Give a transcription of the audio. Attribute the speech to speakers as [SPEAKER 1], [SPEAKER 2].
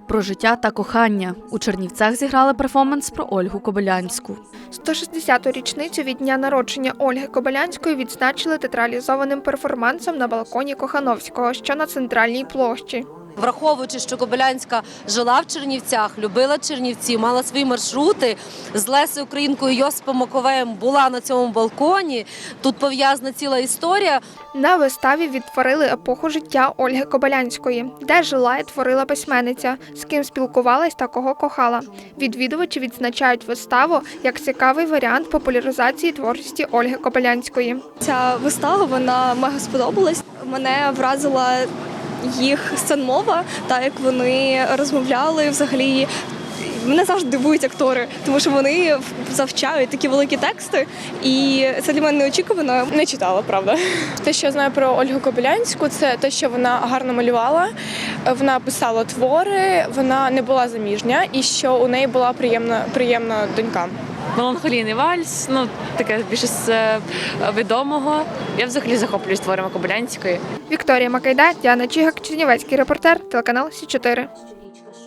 [SPEAKER 1] про життя та кохання. У Чернівцях зіграли перформанс про Ольгу Кобилянську.
[SPEAKER 2] 160-ту річницю від дня народження Ольги Кобилянської відзначили театралізованим перформансом на балконі Кохановського, що на центральній площі.
[SPEAKER 3] Враховуючи, що Кобилянська жила в Чернівцях, любила Чернівці, мала свої маршрути, з Лесею Українкою Йосипом Маковеєм була на цьому балконі, тут пов'язана ціла історія.
[SPEAKER 2] На виставі відтворили епоху життя Ольги Кобилянської, де жила і творила письменниця, з ким спілкувалась та кого кохала. Відвідувачі відзначають виставу як цікавий варіант популяризації творчості Ольги Кобилянської.
[SPEAKER 4] Ця вистава, вона мега сподобалась. Мене вразила їх сценмова, так як вони розмовляли взагалі. Мене завжди дивують актори, тому що вони завчають такі великі тексти, і це для мене неочікувано.
[SPEAKER 5] Не читала, правда. Те, що я знаю про Ольгу Кобилянську, це те, що вона гарно малювала, вона писала твори, вона не була заміжня і що у неї була приємна донька.
[SPEAKER 6] Меланхолійний вальс, таке більше з відомого. Я взагалі захоплююсь творами Кобилянської.
[SPEAKER 2] Вікторія Макайда, Діана Чігак, Чернівецький репортер, телеканал Сі 4.